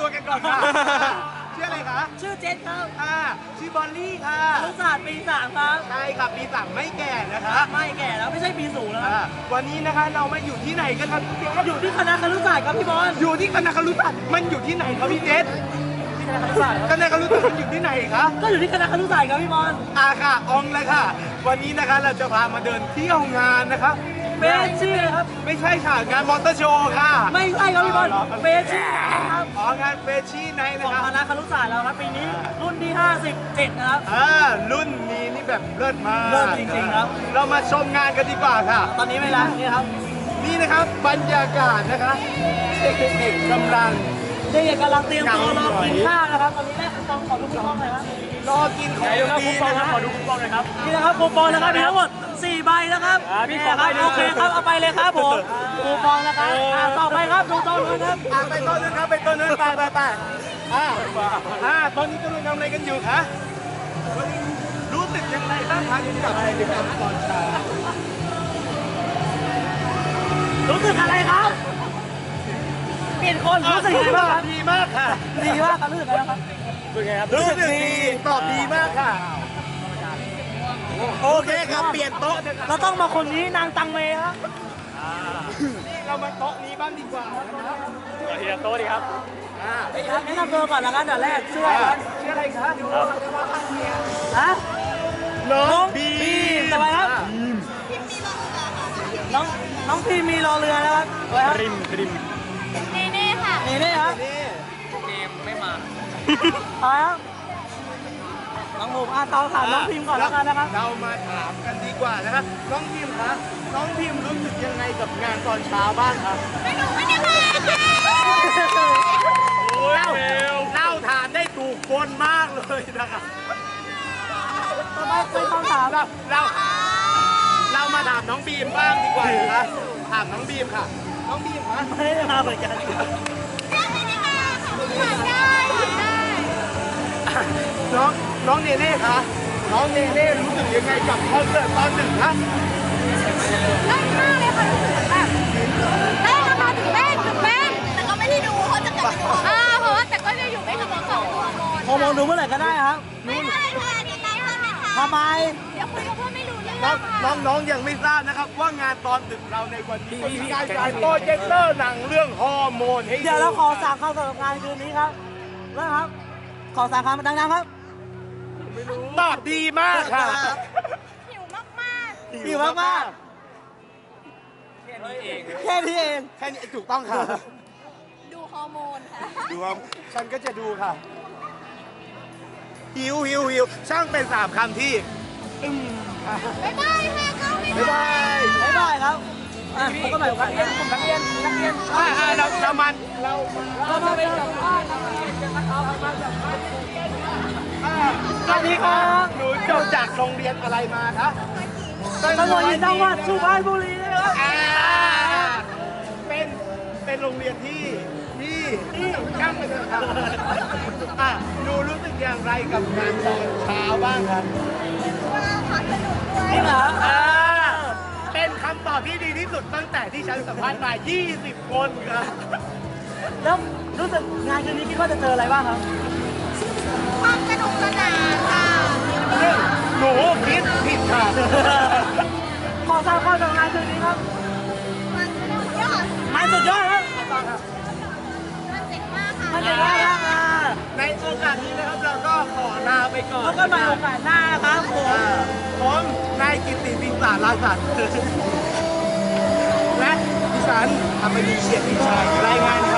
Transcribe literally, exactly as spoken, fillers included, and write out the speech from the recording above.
ตัวกันก่อนค่ะชื่ออะไรคะชื่อเจษครับค่ะชื่อบอลลี่ค่ะครุศาสตร์ปีสามครับใช่ค่ะปีสามไม่แก่นะคะไม่แก่แล้วไม่ใช่ปีสูงแล้วอ่าวันนี้นะคะเรามาอยู่ที่ไหนกันครับพี่เจษอยู่ที่คณะครุศาสตร์ครับพี่บอลอยู่ที่คณะครุศาสตร์มันอยู่ที่ไหนครับพี่เจษที่คณะครุศาสตร์คณะครุศาสตร์มันอยู่ที่ไหนคะก็อยู่ที่คณะครุศาสตร์ครับพี่บอลอ่าค่ะอองเลยค่ะ วันนี้นะคะเราจะพามาเดินเที่ยวงานนะคะเฟชชี่ครับไม่ใช่ค่ะงานมอเตอร์โชว์ค่ะไม่ใช่ครับพี่บอลเฟชชี่ครับอ๋องานเฟชชี่ไนท์ขนะองคะคณะครุศาสตร์เราครับปีนี้รุ่นที่ห้าสิบเจ็ดนะครับอ่ารุ่นนี้นี่แบบเลิศมากเลิศจริงๆครับเรามาชมงานกันดีกว่าค่ะตอนนี้เวลานี่ครับนี่นะครับบรรยากาศนะคะเด็กๆกำลังเด็กๆกำลังเตรียมตัวรอกินข้าวนะครับตอนนี้แม่คุณปองขอดูคูปองหน่อยครับรอกินของดีนะคะขอดูคูปองหน่อยครับนี่นะครับคูปองนะครับมีทั้งหมดสี่ใบนะครับนี่ครับโอเคครับเอาไปเลยครับผมคูปองนะครับอ่าต่อไปครับดูต้นนู้นครับอ่าไปต้นนึงครับไปต้นนึงไปไปไปอ่าอ่าตอนนี้กำลังทำอะไรกันอยู่คะรู้สึกยังไงบ้างคะที่กับกิจกรรมตอนเช้ารู้สึกอะไรครับเปลี่ยนคนรู้สึกยังไงบ้างครับดีมากค่ะดีมากครับรู้สึกยังไงบ้างครับรู้สึกไงครับรู้สึกดีตอบดีมากค่ะโอเคครับเปลี่ยนโต๊ะเราต้องมาคนนี้นางตังเมครับนี่เรามาโต๊ะนี้บ้างดีกว่านะครับทีละโต๊ะดีครับอ่าแนะนำตัวก่อนแล้วกันเดี๋ยวแรกชื่ออะไรครับชื่ออะไรคะฮะน้อน้อง งบีบีมทำไมครับน้องน้องพีมีรอเรือนะครับอะไรครับริมริมเนเน่ค่ะนี่นี่ครับนี่เกมไม่มาอะไรครับน้องผมอ่ะตอถามน้องพิมก่อนแล้วกันนะครับเรามาถามกันดีกว่านะครับน้องพิมคะน้องพิมรู้สึกยังไงกับงานตอนเช้าบ้างครับไม่หนูไม่ได้มาค่ะโอ้ยเเล่าถามได้ถูกคนมากเลยนะครับต่อไปเป็นคำถามเราเราเรามาถามน้องบีมบ้างดีกว่านะคะถามน้องบีมค่ะ น้องบีมคะไม่ได้มาเหมือนกันไม่ได้มาค่ะผ่านได้ผ่านได้น้องน้องเนเน่คะน้องเนเน่รู้สึกยังไงกับคอนเสิร์ตตอนหนึ่งคะเล่นมากเลยค่ะรู้สึกแบบเล่นแล้วมาถึงเต้นถึงเต้นแต่ก็ไม่ได้ดูเพราะจะกลับไปดูอ่าเพราะว่าแต่ก็จะอยู่ไม่ถึงสองตัวโมนฮอร์โมนดูเมื่อไหร่ก็ได้ครับไม่ได้ค่ะดีใจมากเลยค่ะทำไมเดี๋ยวคุยกับเพื่อนไม่รู้เรื่องน้องค่ะน้องน้องยังไม่ทราบนะครับว่างานตอนดึกเราในวันนี้มีการฉายโปรเจคเตอร์หนังเรื่องฮอร์โมนให้เดี๋ยวเราขอสามคำสำหรับงานคืนนี้ครับเริ่มครับ ขอสามคำดังๆครับตอบดีมากค่ะหิวมากๆหิวมากแค่นี้เองๆแค่นี้เองแค่นี้ถูกต้องค่ะดูฮอร์โมนค่ะดูครับฉันก็จะดูค่ะหิวหิวหิวช่างเป็นสามคำที่อึมค่ะบ๊ายบายค่ะเข้าไม่บ๊ายบายบ๊ายบายครับอ่ะพบกันใหม่โอกาสหน้านักเรียนนักเรียนอ่าอ่าเราเรามันเราเรามาเป็นสัมภาษณ์อ่าสวัสดีครับหนูจบจากโรงเรียนอะไรมาคะตำรวจจังหวัดสุพรรณบุรีนะครับอ่าเป็นเป็นโรงเรียนที่ที่ที่ช่างไปเถอะครับอ่ะหนูรู้สึกอย่างไรกับงานตอนเช้าบ้างครับนี่เหรออ่าเป็นคำตอบที่ดีที่สุดตั้งแต่ที่ฉันสัมภาษณ์มา ยี่สิบ คนครับแล้วรู้สึกงานคืนนี้คิดว่าจะเจออะไรบ้างครับความสนุกสนานค่ะหนูคิดผิดค่ะขอทราบข้อจากงานคืนนี้ครับมันสุดยอดมันสุดยอดครับมันเจ๋งมากค่ะมันเจ๋งมากครับอ่าในโอกาสนี้นะครับเราก็ขอลาไปก่อนพบกันใหม่โอกาสหน้าครับผมอ่าผมนายกิตติสิงสารลาสัตว์และดิฉันอมรีเฉียดวิชัยรายงาน